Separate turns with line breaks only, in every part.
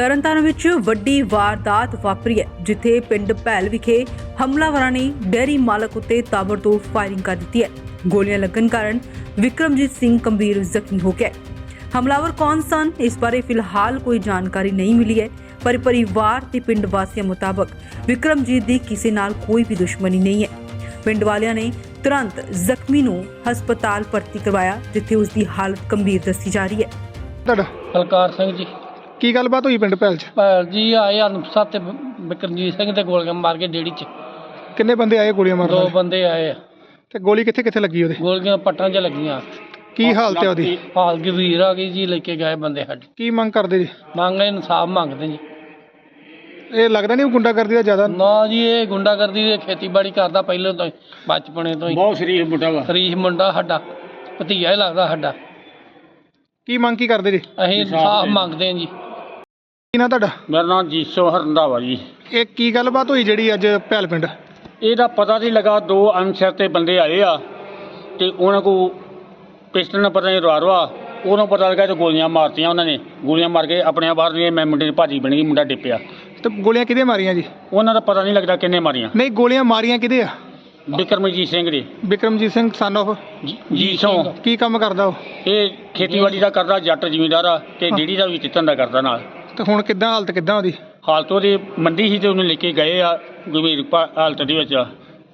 ਤਰਨਤਾਰਨ ਵਿੱਚ ਵੱਡੀ ਵਾਰਦਾਤ ਵਾਪਰੀ ਹੈ, ਜਿੱਥੇ ਪਿੰਡ ਭੈਲ ਵਿਖੇ ਹਮਲਾਵਰਾਂ ਨੇ ਡੇਅਰੀ ਮਾਲਕ ਉੱਤੇ ਤਾਬੜਤੋੜ ਫਾਇਰਿੰਗ ਕਰ ਦਿੱਤੀ ਹੈ। ਗੋਲੀਆਂ ਲੱਗਣ ਕਾਰਨ ਵਿਕਰਮਜੀਤ ਸਿੰਘ ਗੰਭੀਰ ਜ਼ਖਮੀ ਹੋ ਗਿਆ। ਹਮਲਾਵਰ ਕੌਣ ਸਨ, ਇਸ ਬਾਰੇ ਫਿਲਹਾਲ ਕੋਈ ਜਾਣਕਾਰੀ ਨਹੀਂ ਮਿਲੀ ਹੈ, ਪਰ ਪਰਿਵਾਰ ਤੇ ਪਿੰਡ ਵਾਸੀਆਂ ਮੁਤਾਬਕ ਵਿਕਰਮਜੀਤ ਦੀ ਕਿਸੇ ਨਾਲ ਕੋਈ ਵੀ ਦੁਸ਼ਮਣੀ ਨਹੀਂ ਹੈ। ਪਿੰਡ ਵਾਲਿਆਂ ਨੇ ਤੁਰੰਤ ਜ਼ਖਮੀ ਨੂੰ ਹਸਪਤਾਲ ਭਰਤੀ ਕਰਵਾਇਆ, ਜਿੱਥੇ ਉਸ ਦੀ ਹਾਲਤ ਗੰਭੀਰ ਦੱਸੀ ਜਾ ਰਹੀ ਹੈ।
ਤੁਹਾਡਾ
ਬਲਕਾਰ ਸਿੰਘ ਜੀ।
ਕੀ ਗੱਲਬਾਤ ਹੋਈ ਪਿੰਡ ਭੈਲ 'ਚ?
ਭੈਲ ਜੀ ਆਏ ਅਨੁਪਸਾ ਤੇ ਵਿਕਰਮਜੀਤ ਸਿੰਘ ਤੇ ਗੋਲੀਆਂ ਮਾਰ ਕੇ ਡੇੜੀ 'ਚ।
ਕਿੰਨੇ ਬੰਦੇ ਆਏ ਗੋਲੀਆਂ ਮਾਰਨ
ਦੋ
ਵਾਲੇ?
ਬੰਦੇ ਆਏ ਆ।
ਤੇ ਗੋਲੀ ਕਿੱਥੇ ਕਿੱਥੇ ਲੱਗੀ ਉਹਦੇ?
ਗੋਲੀਆਂ ਪੱਟਾਂ 'ਚ ਲੱਗੀਆਂ।
ਕੀ ਹਾਲਤ ਹੈ ਉਹਦੀ?
ਹਾਲ ਗੰਭੀਰ ਆ ਗਈ ਜੀ। ਲੈ ਕੇ ਗਏ ਬੰਦੇ ਸਾਡੇ।
ਕੀ ਮੰਗ ਕਰਦੇ ਜੀ?
ਮੰਗ ਇਨਸਾਫ ਮੰਗਦੇ ਜੀ।
ਇਹ ਲੱਗਦਾ ਨਹੀਂ ਉਹ ਗੁੰਡਾਗਰਦੀ ਦਾ ਜ਼ਿਆਦਾ?
ਨਾ ਜੀ, ਇਹ ਗੁੰਡਾਗਰਦੀ ਦੀ ਖੇਤੀਬਾੜੀ ਕਰਦਾ ਪਹਿਲਾਂ ਤੋਂ ਹੀ, ਬਚਪਨੇ ਤੋਂ ਹੀ।
ਬਹੁਤ ਸ਼ਰੀਫ ਮੁੰਡਾ ਵਾ।
ਸ਼ਰੀਫ ਮੁੰਡਾ ਸਾਡਾ, ਭਤੀਜਾ ਹੀ ਲੱਗਦਾ ਸਾਡਾ।
ਕੀ ਮੰਗ ਕੀ ਕਰਦੇ ਜੀ?
ਅਸੀਂ ਇਨਸਾਫ ਮੰਗਦੇ ਹਾਂ ਜੀ।
ਕੀ ਨਾਂ ਤੁਹਾਡਾ?
ਮੇਰਾ ਨਾਮ ਜੀਸੋ ਹਰੰਦਾਵਾ ਜੀ।
ਇਹ ਕੀ ਗੱਲਬਾਤ ਹੋਈ ਜਿਹੜੀ ਅੱਜ ਭੈਲ ਪਿੰਡ?
ਇਹਦਾ ਪਤਾ ਨਹੀਂ ਲੱਗਾ, ਦੋ ਅਨਸਰ ਤੇ ਬੰਦੇ ਆਏ ਆ ਤੇ ਉਹਨਾਂ ਕੋ ਪਿਸਟਲ ਨਾਲ ਪਤਾ ਨਹੀਂ ਰਵਾ ਉਹਨੂੰ ਪਤਾ ਲੱਗਾ ਤੇ ਗੋਲੀਆਂ ਮਾਰਤੀਆਂ ਉਹਨਾਂ ਨੇ। ਗੋਲੀਆਂ ਮਾਰ ਕੇ ਆਪਣੇ ਬਾਹਰ ਦੀਆਂ ਮੈਂ ਮੁੰਡੇ ਦੀ ਭਾਜੀ ਬਣ ਗਈ, ਮੁੰਡਾ ਡਿੱਪਿਆ।
ਤੇ ਗੋਲੀਆਂ ਕਿਹਦੇ ਮਾਰੀਆਂ ਜੀ?
ਉਹਨਾਂ ਦਾ ਪਤਾ ਨਹੀਂ ਲੱਗਦਾ ਕਿੰਨੇ ਮਾਰੀਆਂ।
ਨਹੀਂ, ਗੋਲੀਆਂ ਮਾਰੀਆਂ ਕਿਹਦੇ ਆ?
ਵਿਕਰਮਜੀਤ ਸਿੰਘ ਦੇ।
ਵਿਕਰਮਜੀਤ ਸਿੰਘ ਸਨ ਆਫ
ਜੀਸੋ।
ਕੀ ਕੰਮ ਕਰਦਾ ਉਹ?
ਇਹ ਖੇਤੀਬਾੜੀ ਦਾ ਕਰਦਾ, ਜੱਟ ਜ਼ਿਮੀਂਦਾਰ ਆ ਤੇ ਡੇਅਰੀ ਦਾ ਵੀ ਚਿੱਤਨ ਦਾ ਕਰਦਾ ਨਾਲ।
ਤੇ ਹੁਣ ਕਿੱਦਾਂ ਹਾਲਤ ਕਿੱਦਾਂ ਉਹਦੀ?
ਹਾਲਤ ਉਹਦੀ ਮੰਦੀ ਸੀ ਤੇ ਉਹਨੂੰ ਲੈ ਕੇ ਗਏ ਆ ਗੰਭੀਰ ਹਾਲਤ ਦੇ ਵਿੱਚ।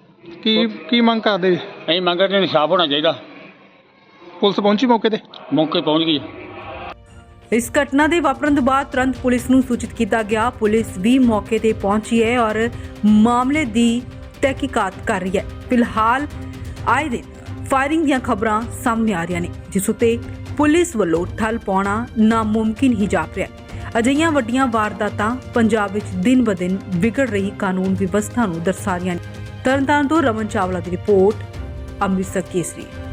ਕੀ ਮੰਗ ਕਰਦੇ ਜੀ?
ਅਸੀਂ ਮੰਗਦੇ ਇਨਸਾਫ ਹੋਣਾ ਚਾਹੀਦਾ।
ਪੁਲਿਸ ਪਹੁੰਚੀ ਮੌਕੇ ਤੇ?
ਮੌਕੇ ਪਹੁੰਚ ਗਈ।
ਇਸ ਘਟਨਾ ਦੇ ਵਾਪਰਨ ਤੋਂ ਬਾਅਦ ਤੁਰੰਤ ਪੁਲਿਸ ਨੂੰ ਸੂਚਿਤ ਕੀਤਾ ਗਿਆ। ਪੁਲਿਸ ਵੀ ਮੌਕੇ ਤੇ ਪਹੁੰਚੀ ਹੈ ਔਰ ਮਾਮਲੇ ਦੀ ਤਹਿਕੀਕਾਤ ਕਰ ਰਹੀ ਹੈ। ਫਿਲਹਾਲ ਆਏ ਦਿਨ ਫਾਇਰਿੰਗ ਦੀਆਂ ਖਬਰਾਂ ਸਾਹਮਣੇ ਆ ਰਹੀਆਂ ਨੇ, ਜਿਸ ਉੱਤੇ ਪੁਲਿਸ ਵੱਲੋਂ ਠੱਲ ਪਾਉਣਾ ਨਾਮੁਮਕਿਨ ਹੀ ਜਾਪ ਰਿਹਾ ਹੈ। ਅਜਿਹੀਆਂ ਵੱਡੀਆਂ ਵਾਰਦਾਤਾਂ ਪੰਜਾਬ ਵਿੱਚ ਦਿਨ ਬ ਦਿਨ ਵਿਗੜ ਰਹੀ ਕਾਨੂੰਨ ਵਿਵਸਥਾ ਨੂੰ ਦਰਸਾ ਰਹੀਆਂ ਨੇ। ਤਰਨਤਾਰਨ ਤੋਂ ਰਮਨ ਚਾਵਲਾ ਦੀ ਰਿਪੋਰਟ, ਅੰਮ੍ਰਿਤਸਰ ਕੇਸਰੀ।